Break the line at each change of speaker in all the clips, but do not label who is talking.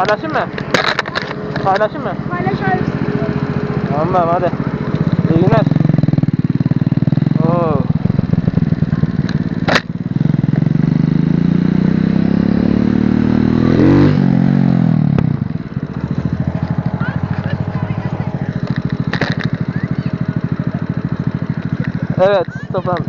Paylaşayım mı? Paylaşayım mı?
Paylaş abi.
Tamam hadi. İyi günler. Oo. Evet, toplandı.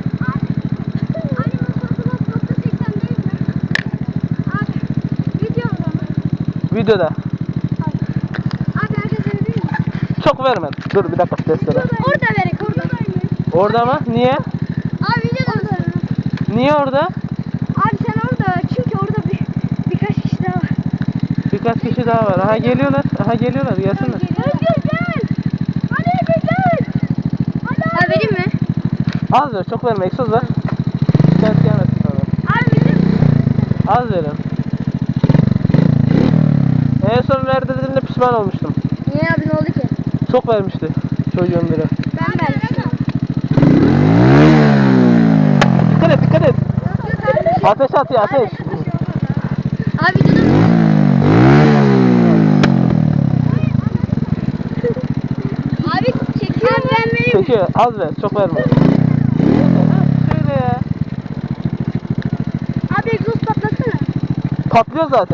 Videoda.
Abi herkes verir mi?
Çok vermem. Dur bir dakika testere.
Orada verek orada.
Orada mı? Niye?
Abi videoda mısın?
Niye orada?
Abi sen orada çünkü orada birkaç kişi daha var.
Birkaç kişi daha var. Aha geliyorlar. Aha geliyorlar. Gelsinler.
Özgür gel. Hadi gel. Hadi. Abi vereyim mi?
Az ver. Çok verme. Egzoz ver. Şikayet gelmesin sonra.
Abi vereyim.
Az verin. En son verdiğimde pişman olmuştum.
Niye abi ne oldu ki?
Çok vermişti çocuğun biri.
Ben vermiştim.
Dikkat et, dikkat et. Ateş atıyor, ateş.
Abi videoda mısın? Abi çekiyor mu? Ben vereyim.
Çekiyor. Az ver. Çok verme. Şöyle ya.
Abi egzoz patlatsana.
Patlıyor zaten.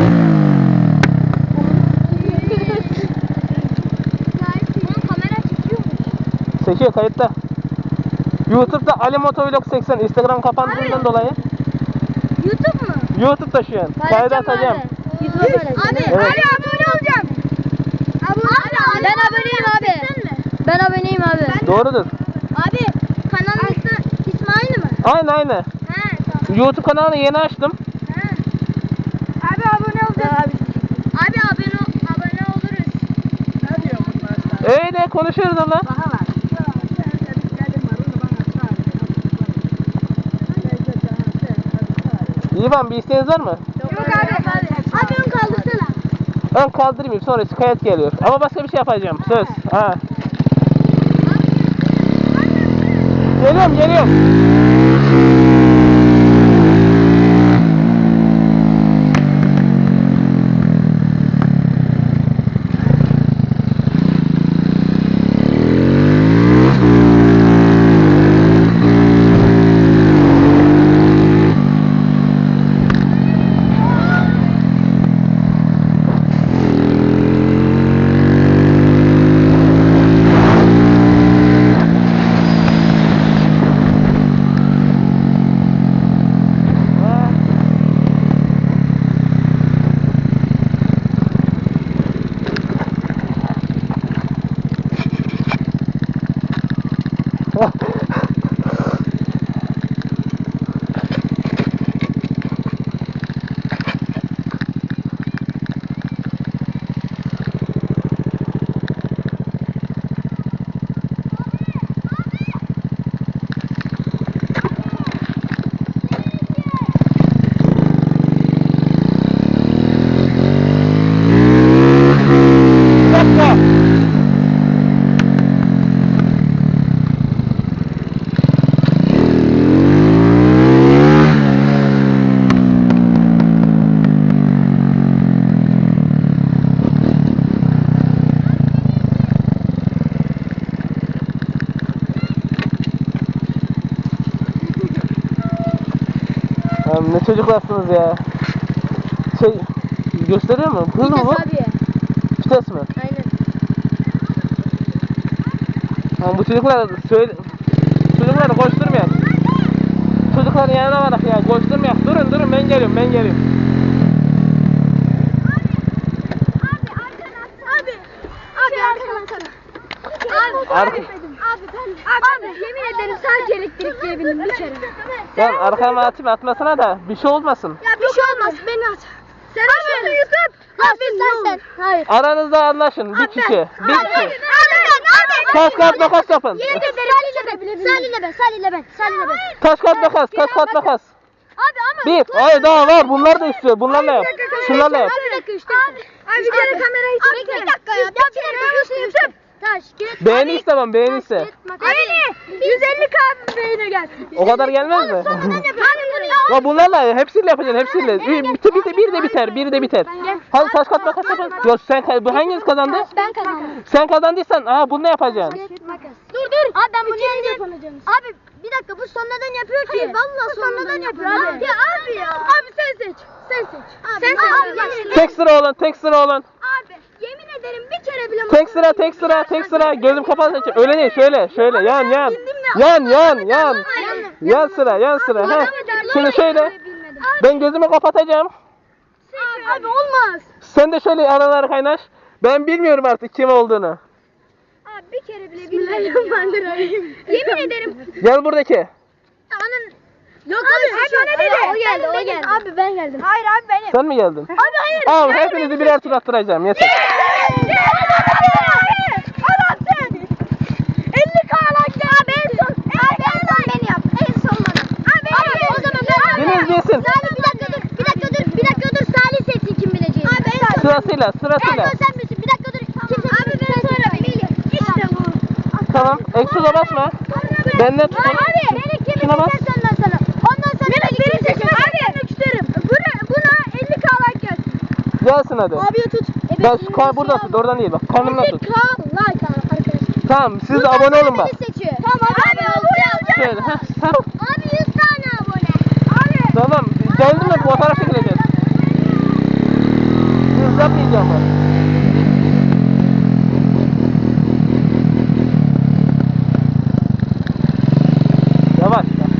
Bunun kamera çekiyor mu?
Çekiyor kayıtta. YouTube'da Ali Motovlog 80 Instagram kapandığından dolayı.
YouTube mu?
YouTube'da şu an. Kayda atacağım.
YouTube'a paylaşacağım. Abi,
Evet.
abi abone olacağım. Abi, ben aboneyim abi. Ben aboneyim abi.
Doğrudur.
Abi kanalın ismi aynı mı?
Aynı.
He tamam.
YouTube kanalını yeni açtım.
He. Abi abone olacağız. Abi abone oluruz.
Öyle konuşuyoruz ama. İvan bir isteğiniz var mı?
Yok abi. Abi ön kaldırsana.
Ben kaldırmayayım sonra şikayet geliyor. Ama başka bir şey yapacağım. Söz. Ha. Geliyorum. Ne çocuklarsınız ya. Gösteriyor mu? Hız mı bu?
Abi.
Vites mi?
Aynen.
Bu çocuklar çocukları koşturmayak. Çocukların yanına varak ya koşturmayak. Durun ben geliyorum.
Abi arkana atsana.
Arka.
Abi yemin ederim sadece elektrik diyebildim bir kere.
Ben arkama atmasına da bir şey olmasın.
Ya bir şey olmaz beni at. Sen abi YouTube. Abi sen. Hayır.
Aranızda anlaşın bir kişi.
Abi.
Taş kağıt makas yapın.
Yemin ederim Salih'le ben.
Taş kağıt makas.
Abi ama.
Bir. Hayır daha var. Bunlar da istiyor. Bunlarla yap. Şunlarla yap.
Bir dakika işte. Abi bir kere kamerayı çek. Bir dakika ya. Bir kere YouTube. Taş, kağıt,
Beğeni istemem. Beğeni iste.
Beğeni. 150k beğeni gelsin.
O kadar gelmez mi?
Abi bunu
Ya bunlarla hepsiyle yapacaksın hepsiyle. Bir de biter. Hadi taş kat makas yapalım. Yok bu hanginiz kazandı?
Ben kazandım.
Sen kazandıysan bunu ne yapacaksın?
Dur. Abi ben bunu yeneceğim. Abi bir dakika bu sonradan yapıyor ki. Hayır vallahi sonradan yapıyor abi. Ya abi ya. Abi sen seç. Sen seç. Abi,
Tek sıra olun.
Abi yemin ederim bir kere bile
Tek sıra. Gözüm kapalı seçeceğim. Öyle değil şöyle. Yan. Yan sıra. Heh. Şimdi şöyle. Ben gözümü kapatacağım.
Abi olmaz.
Sen de şöyle araları kaynaş. Ben bilmiyorum artık kim olduğunu.
Abi bir kere bile bilmedim. Yemin ederim.
Gel buradaki.
Yok abi bana dedi. O geldi. Abi ben geldim. Hayır abi benim.
Sen mi geldin?
Abi hayır.
Al hepinizi birer tur attıracağım. Yeter.
Adam sen. 50 kağlak ya. Abi en son. Abi en son beni yap. En son bana. Abi o zaman ben.
Biriniz bilsin.
Salih bir dakika dur. Salih seçsin kim bileceğini. Abi en son.
Sırasıyla.
En son sen bilsin. Bir dakika dur. Kim seçsin? Abi ben sonra Melih. İşte bu.
Tamam. Eksuza basma. Benden tutun.
Abi beni kim
Şuna bas.
bileceğiz ondan sonra. Ondan sonra beni seçin. Abi. Buna 50 kağlak gelsin.
Gelsin hadi.
Abiye tut.
Bak burada tut. Oradan değil bak. Karnımda tut.
Like arkadaşlar.
Tamam siz de abone olun bak.
Seçiyor. Tamam abi olacağım.
Şöyle. Tamam.
Abi 100 tane abone. Abi.
Tamam. Geldin mi? Fotoğraf çekileceğiz. Hız yapmayacağım ben. Yavaş.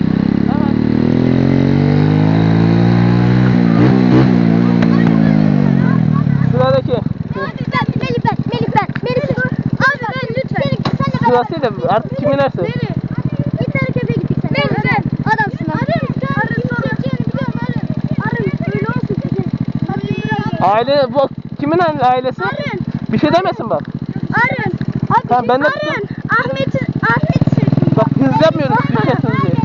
Sıradaki.
Melih ben. Abi ben lütfen. Sen de
Sırasıyla artık kim inerse.
Git harekete gittik sen. Melih ben. Adamsın abi. Arın. Öyle olsun.
Aile bu kimin ailesi?
Arın.
Bir şey demesin bak.
Arın. Abi
Tamam, ben de
Arın.
tutayım.
Ahmet seçtim.
Bak hız yapmıyoruz. Düşersiniz diye.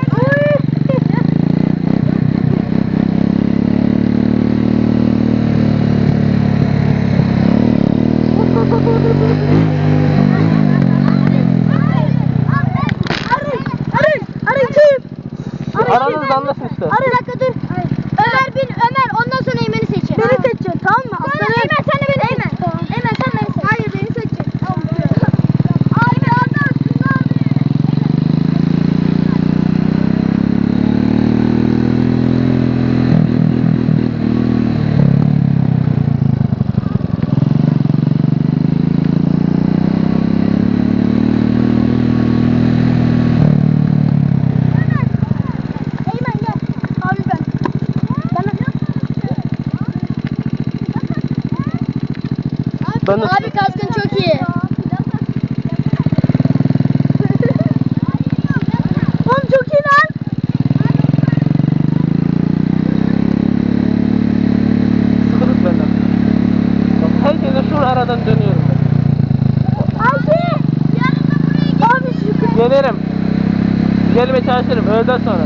Arın kim?
Aranızda anlaşın işte.
Bir dakika dur. Ömer ondan sonra Eymen'i seçin. Beni seçeceksin tamam mı? Eymen sen de beni seç. Eymen sen beni seç. Hayır beni seçeceksin. Tamam. Abi adamsın abi. Eymen gel. Abi ben.
Ben de
Abi kaskın çok iyi. Oğlum çok iyi lan.
sıkılık benden. Bak, herkese şu aradan dönüyorum.
Abi. Abi şu
Gelirim. Gelmeye çalışırım öğleden sonra.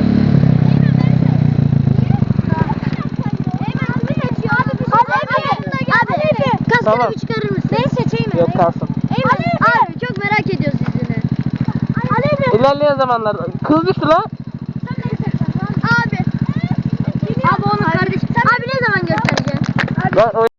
Kaskını
Tamam.
bir çıkarır mısın? Ben seçeyim mi?
Yok kalsın.
Abi çok merak ediyoruz yüzünü.
İlerleyen zamanlarda kız düştü lan.
Abi. Abi onun kardeşi. Abi ne zaman göstereceksin?
Lan o